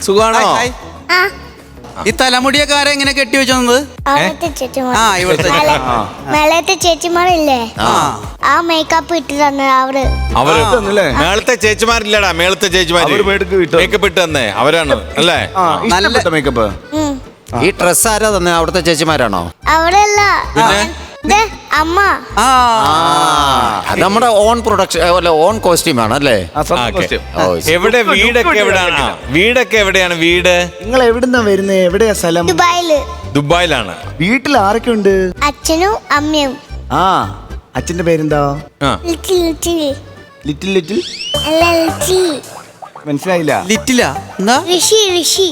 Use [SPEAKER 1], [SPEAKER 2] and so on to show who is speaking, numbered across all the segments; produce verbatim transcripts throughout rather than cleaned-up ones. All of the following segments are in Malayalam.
[SPEAKER 1] സുഖാണോ?
[SPEAKER 2] ഈ തലമുടിയൊക്കെ ആരെ എങ്ങനെ കെട്ടി വെച്ചത്?
[SPEAKER 3] ആ ഇവിടുത്തെ മേളത്തെ ചേച്ചിമാരില്ലേ, ആ മേക്കപ്പ് ഇട്ട് തന്നെ അവര്.
[SPEAKER 1] അവര് മേളത്തെ ചേച്ചിമാരില്ലടാ, മേളത്തെ ചേച്ചിമാര് മേക്കപ്പ് ഇട്ട് തന്നെ അവരാണ് അല്ലേ?
[SPEAKER 2] നല്ല മേക്കപ്പ്.
[SPEAKER 4] ഈ ഡ്രസ് ആരാ തന്നെ? അവിടുത്തെ ചേച്ചിമാരാണോ?
[SPEAKER 3] അവരല്ല, അമ്മ.
[SPEAKER 4] അത് നമ്മുടെ ഓൺ പ്രൊഡക്ഷൻ, ഓൺ കോസ്റ്റ്യൂം ആണ് അല്ലേ?
[SPEAKER 1] എവിടെ വീടൊക്കെ എവിടെയാണ്? വീടൊക്കെ എവിടെയാണ് വീട്?
[SPEAKER 5] നിങ്ങൾ എവിടുന്നാ വരുന്നേ? എവിടെയാ സ്ഥലം?
[SPEAKER 3] ദുബായില്.
[SPEAKER 1] ദുബായിലാണ്.
[SPEAKER 5] വീട്ടിൽ ആരൊക്കെ ഉണ്ട്?
[SPEAKER 3] അച്ഛനും അമ്മയും.
[SPEAKER 5] ആ അച്ഛന്റെ പേരെന്താ?
[SPEAKER 3] ലിറ്റിൽ ലിറ്റിൽ
[SPEAKER 5] ലിറ്റിൽ ലിറ്റിൽ
[SPEAKER 3] അല്ല ലിറ്റി.
[SPEAKER 5] മനസ്സിലായില്ല.
[SPEAKER 2] ലിറ്റില എന്താ?
[SPEAKER 3] ഋഷി ഋഷി.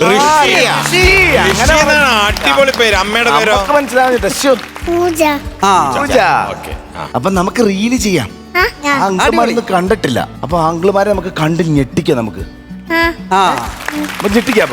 [SPEAKER 1] അടിപൊളി പേര്. അമ്മയുടെ പേരോ?
[SPEAKER 5] മനസ്സിലാവുന്നില്ല.
[SPEAKER 3] പൂജ.
[SPEAKER 5] അപ്പൊ നമുക്ക് റീല് ചെയ്യാം. അങ്കിൾമാരൊന്നും കണ്ടിട്ടില്ല, അപ്പൊ അങ്കിൾമാരെ നമുക്ക് കണ്ട് ഞെട്ടിക്കാം. നമുക്ക് ഞെട്ടിക്കാം.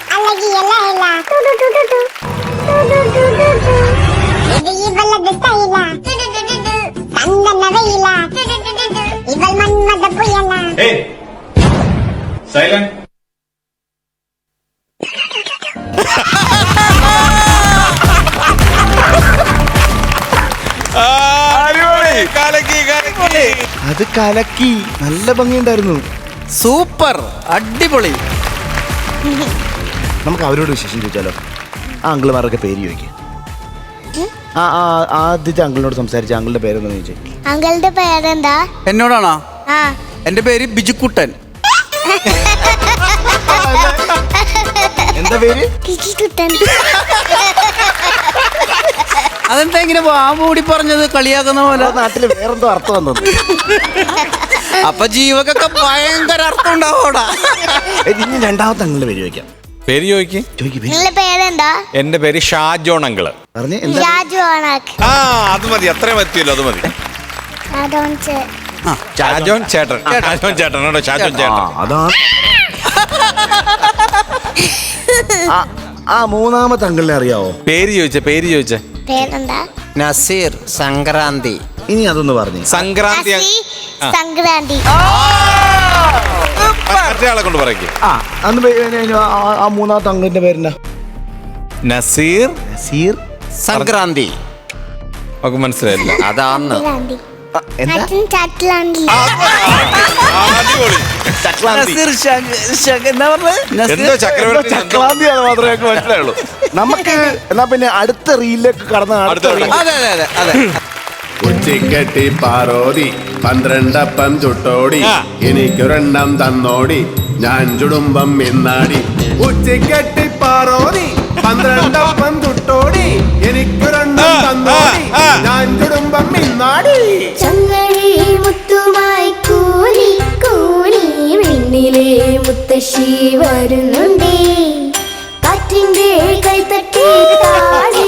[SPEAKER 5] അത് കലക്കി. നല്ല ഭംഗിയുണ്ടായിരുന്നു.
[SPEAKER 2] സൂപ്പർ, അടിപൊളി.
[SPEAKER 5] നമുക്ക് അവരോട് വിശേഷം ചോദിച്ചാലോ? ആ അങ്കിൾമാരൊക്കെ പേര് ചോദിക്കും. ആ ആ ആദ്യത്തെ അങ്കിളിനോട് സംസാരിച്ച അങ്കിളുടെ പേരെന്താ ചോദിച്ചേ?
[SPEAKER 3] അങ്കിളുടെ പേരെന്താ?
[SPEAKER 2] എന്നോടാണോ?
[SPEAKER 3] ആ
[SPEAKER 2] എന്റെ പേര് ബിജുക്കുട്ടൻ.
[SPEAKER 5] എന്താ പേര്?
[SPEAKER 3] ബിജുക്കുട്ടൻ.
[SPEAKER 2] അതെന്താ ഇങ്ങനെ വാമൂടി പറഞ്ഞത്? കളിയാക്കുന്ന പോലെ.
[SPEAKER 5] നാട്ടില് വേറെന്തോ അർത്ഥം വന്നത്.
[SPEAKER 2] അപ്പൊ ജീവക്കൊക്കെ ഭയങ്കര അർത്ഥം ഉണ്ടാവോടാ.
[SPEAKER 5] ഇനി രണ്ടാമത്തെ അങ്കിളുടെ പേര് ചോദിക്കാം.
[SPEAKER 1] പേര് ചോദിക്കും.
[SPEAKER 3] നിങ്ങളുടെ പേരെന്താ?
[SPEAKER 1] എന്റെ പേര് ഷാജോൺ അങ്കിള്.
[SPEAKER 5] പറഞ്ഞേ.
[SPEAKER 1] ആ അത് മതി, അത്രയും മതിയല്ലോ, അത് മതി. ഷാജോൺ ചേട്ടൻ. ഷാജോൺ ചേട്ടൻ കേട്ടോ, ഷാജോൺ ചേട്ടൻ.
[SPEAKER 5] അതാണ്. ആ മൂന്നാമത്തെ അങ്കിളിനെ അറിയാവോ?
[SPEAKER 1] പേര് ചോദിച്ചേ, പേര് ചോദിച്ചേ.
[SPEAKER 3] പേരെന്താ?
[SPEAKER 4] നസീർ സംക്രാന്തി.
[SPEAKER 5] ഇനി അതൊന്ന് പറഞ്ഞു.
[SPEAKER 1] സംക്രാന്തി.
[SPEAKER 3] സംക്രാന്തി.
[SPEAKER 1] മറ്റേയാളെ കൊണ്ട് പറയും.
[SPEAKER 5] ആ അന്ന് ആ മൂന്നാമത്തെ അങ്കിളിന്റെ പേരെന്താ?
[SPEAKER 1] നസീർ.
[SPEAKER 5] നസീർ
[SPEAKER 4] സംക്രാന്തി.
[SPEAKER 1] ഒക്കെ മനസ്സിലായില്ല.
[SPEAKER 4] അതാന്ന്.
[SPEAKER 1] ചക്രവർത്തിയാണ് മാത്രമേ മനസ്സിലായുള്ളൂ.
[SPEAKER 5] നമുക്ക് എന്നാ പിന്നെ അടുത്ത റീലിലേക്ക് കടന്ന.
[SPEAKER 2] അതെ അതെ അതെ അതെ.
[SPEAKER 6] ഉച്ചിക്കെട്ടി പാറോതി പന്ത്രണ്ടപ്പം ചുട്ടോടി എനിക്കൊരെണ്ണം തന്നോടി ഞാൻ ചുടുമ്പം മിന്നാടി. ഉച്ചിക്കെട്ടി പാറോതി പന്ത്രണ്ടപ്പം ചുട്ടോടി എനിക്കൊരെണ്ണം തന്നോടി ഞാൻ ചുടുമ്പം മിന്നാടി.
[SPEAKER 7] ചങ്ങഴി മുത്തുമായി കൂലി കൂലി മിന്നിലെ മുത്തശ്ശി വരുന്നുണ്ടേ, കാറ്റിന്റെ കൈത്തട്ടി താഴെ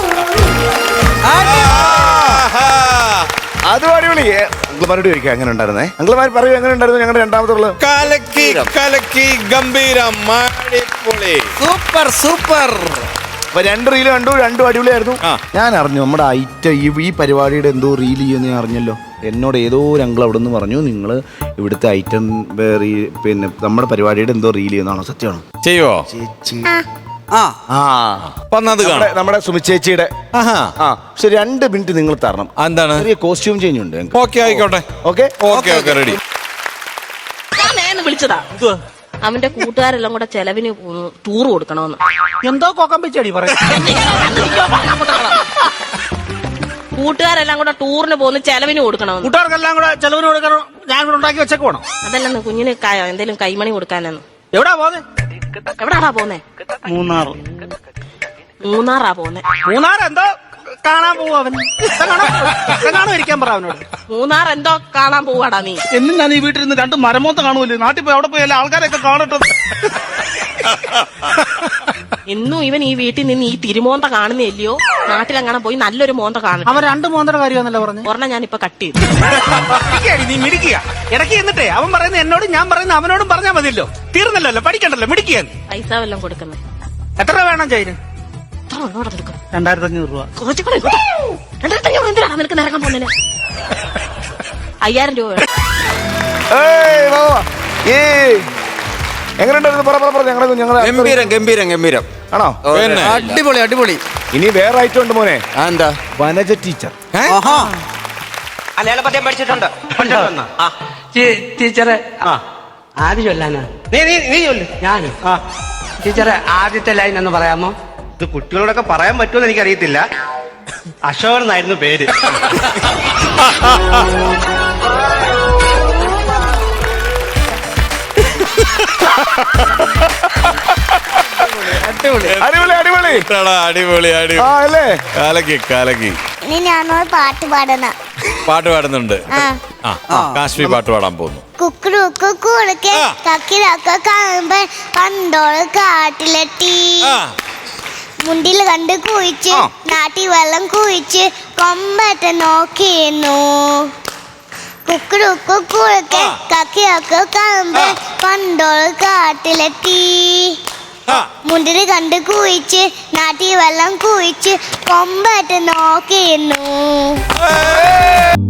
[SPEAKER 5] അത് അടിപൊളി. അങ്കിൾമാരോട് ചോദിക്കാം എങ്ങനെ ഉണ്ടായിരുന്നേ? അങ്കിൾമാർ പറയൂ എങ്ങനെ ഉണ്ടായിരുന്നു ഞങ്ങളുടെ രണ്ടാമത്തെ?
[SPEAKER 1] കലക്കി കലക്കി ഗംഭീരം, അടിപൊളി,
[SPEAKER 2] സൂപ്പർ സൂപ്പർ.
[SPEAKER 5] അപ്പൊ രണ്ട് റീല് കണ്ടു, രണ്ടും അടിപൊളിയായിരുന്നു. ഞാൻ അറിഞ്ഞു നമ്മുടെ ഐറ്റം ഈ ഈ പരിപാടിയുടെ എന്തോ റീൽ ചെയ്യുന്ന ഞാൻ അറിഞ്ഞല്ലോ. എന്നോട് ഏതോ ഒരു അങ്കിൾ അവിടെ നിന്ന് പറഞ്ഞു നിങ്ങൾ ഇവിടുത്തെ ഐറ്റം പിന്നെ നമ്മുടെ പരിപാടിയുടെ എന്തോ റീൽ ചെയ്യുന്നതാണോ? സത്യമാണോ?
[SPEAKER 1] ചെയ്യുവോ?
[SPEAKER 5] ചേച്ചി
[SPEAKER 2] ആ
[SPEAKER 5] ആ
[SPEAKER 1] വന്നത്
[SPEAKER 5] നമ്മുടെ സുമി ചേച്ചിയുടെ. ആ പക്ഷെ രണ്ട് മിനിറ്റ് നിങ്ങൾ തരണം.
[SPEAKER 1] എന്താണ്?
[SPEAKER 5] ചെറിയ കോസ്റ്റ്യൂം ചേഞ്ച് ഉണ്ട്.
[SPEAKER 1] ഓക്കെ ആയിക്കോട്ടെ.
[SPEAKER 5] Okay
[SPEAKER 1] okay okay ready.
[SPEAKER 8] വിളിച്ചതാ അവന്റെ കൂട്ടുകാരെല്ലാം കൂടെ ചെലവിന് ടൂർ കൊടുക്കണമെന്ന്.
[SPEAKER 2] എന്തോ കൊക്കം വെച്ചടി പറ.
[SPEAKER 8] കൂട്ടുകാരെല്ലാം കൂടെ ടൂറിന് പോകുന്ന ചെലവിന് കൊടുക്കണമെന്ന്.
[SPEAKER 2] കൂട്ടുകാർക്കെല്ലാം കൂടെ ചെലവിന് കൊടുക്കണം. ഞാൻ കൂടെ ഉണ്ടാക്കി വെച്ചേക്ക് പോണം.
[SPEAKER 8] അതല്ലെന്ന് കുഞ്ഞിന് എന്തേലും കൈമണി കൊടുക്കാനെന്ന്.
[SPEAKER 2] എവിടാ പോന്നെ?
[SPEAKER 8] എവിടാടാ പോന്നെ?
[SPEAKER 2] മൂന്നാർ.
[SPEAKER 8] മൂന്നാറാ പോന്നെ.
[SPEAKER 2] മൂന്നാർ എന്തോ കാണാൻ പോവും അവൻ. കാണാൻ ഇരിക്കാൻ പറ അവനോട്.
[SPEAKER 8] മൂന്നാർ എന്തോ കാണാൻ പോവാടാ നീ.
[SPEAKER 2] എന്നും ഞാൻ ഈ വീട്ടിൽ നിന്ന് രണ്ട് മരമോത്ത കാണുമല്ലോ. നാട്ടിൽ പോയി അവിടെ പോയി എല്ലാ ആൾക്കാരെയൊക്കെ കാണട്ടെ.
[SPEAKER 8] എന്നും ഇവൻ ഈ വീട്ടിൽ നിന്ന് ഈ തിരുമോന്ത കാണുന്നില്ലയോ? നാട്ടിലെങ്ങനെ പോയി നല്ലൊരു മോന്ത കാണും.
[SPEAKER 2] അവൻ രണ്ട് മോന്തയുടെ കാര്യമാണല്ലോ പറഞ്ഞു.
[SPEAKER 8] ഒരെണ്ണം ഞാൻ ഇപ്പൊ കട്ട് ചെയ്തു.
[SPEAKER 2] നീ മിടിക്കുക ഇടയ്ക്ക് എന്നിട്ടേ അവൻ പറയുന്നത് എന്നോടും ഞാൻ പറയുന്നത് അവനോടും പറഞ്ഞാൽ മതിയല്ലോ. തീർന്നല്ലോ, പഠിക്കണ്ടല്ലോ, മിടിക്കുക.
[SPEAKER 8] പൈസ വല്ലതും കൊടുക്കുന്നേ.
[SPEAKER 2] എത്ര രൂപ വേണം ചൈന്? രണ്ടായിരത്തി അഞ്ഞൂറ് രൂപ.
[SPEAKER 8] കുറച്ചുകൂടെ രണ്ടായിരത്തി അഞ്ഞൂറ് എന്തിനാണ് നിനക്ക് നിറങ്ങാൻ പോകുന്നതിന്? അയ്യായിരം രൂപ വേണം.
[SPEAKER 5] എങ്ങനെയുണ്ടായിരുന്നു? പറ പറ പറ ഞങ്ങളെ ഞങ്ങളെ
[SPEAKER 4] ഗംഭീരം ഗംഭീരം ഗംഭീരം
[SPEAKER 5] ആണോ?
[SPEAKER 4] ഓ,
[SPEAKER 1] പിന്നെ.
[SPEAKER 4] അടിപൊളി അടിപൊളി.
[SPEAKER 5] ഇനി വേറെ ഐറ്റം ഉണ്ട് മോനെ.
[SPEAKER 4] ആ, എന്താ?
[SPEAKER 5] വനജ ടീച്ചർ.
[SPEAKER 4] ആഹാ.
[SPEAKER 9] മലയാള പദ്യം പഠിച്ചിട്ടുണ്ട്
[SPEAKER 2] ടീച്ചറെ ആദ്യം ചൊല്ലാനാ
[SPEAKER 9] നീ നീ നീ ചൊല്ല്.
[SPEAKER 2] ഞാനും ടീച്ചറെ ആദ്യത്തെ ലൈൻ എന്ന് പറയാമോ?
[SPEAKER 9] ഇത് കുട്ടികളോടൊക്കെ പറയാൻ പറ്റുമെന്ന് എനിക്കറിയത്തില്ല. അശോകൻ എന്നായിരുന്നു പേര്.
[SPEAKER 5] അടിപൊളി അടിപൊളി
[SPEAKER 1] എടാ, അടിപൊളി അടിപൊളി
[SPEAKER 5] ആ അല്ലേ?
[SPEAKER 1] കാലക്കി കാലക്കി.
[SPEAKER 3] ഇനി ഞാനൊരു പാട്ട് പാടണ.
[SPEAKER 1] പാട്ട് പാടുന്നുണ്ട്.
[SPEAKER 3] ആ
[SPEAKER 1] ആ ആ, കാശ്മീർ പാട്ട് പാടാൻ പോകുന്നു.
[SPEAKER 3] കുക്കുറുക്ക് കുറുക്കെ
[SPEAKER 1] ആ.
[SPEAKER 3] കക്കിലൊക്കെ കാണുമ്പോ പണ്ടോള് കാട്ടിലെത്തി
[SPEAKER 1] ആ
[SPEAKER 3] മുണ്ടിൽ കണ്ട് കുഴിച്ച് നാട്ടി വെള്ളം കുഴിച്ച് കൊമ്പറ്റ നോക്കിയിരുന്നു. കുക്കുറുക്ക് കുറുക്കെ
[SPEAKER 1] ആ.
[SPEAKER 3] കക്കിലൊക്കെ കാണുമ്പോ
[SPEAKER 1] ആ.
[SPEAKER 3] പണ്ടോള് കാട്ടിലെത്തി
[SPEAKER 1] ആ
[SPEAKER 3] മുണ്ടിൽ കണ്ട് കുഴിച്ച് നാട്ടി വെള്ളം കുഴിച്ച് കൊമ്പറ്റ നോക്കിയിരുന്നു.
[SPEAKER 1] ഏയ്!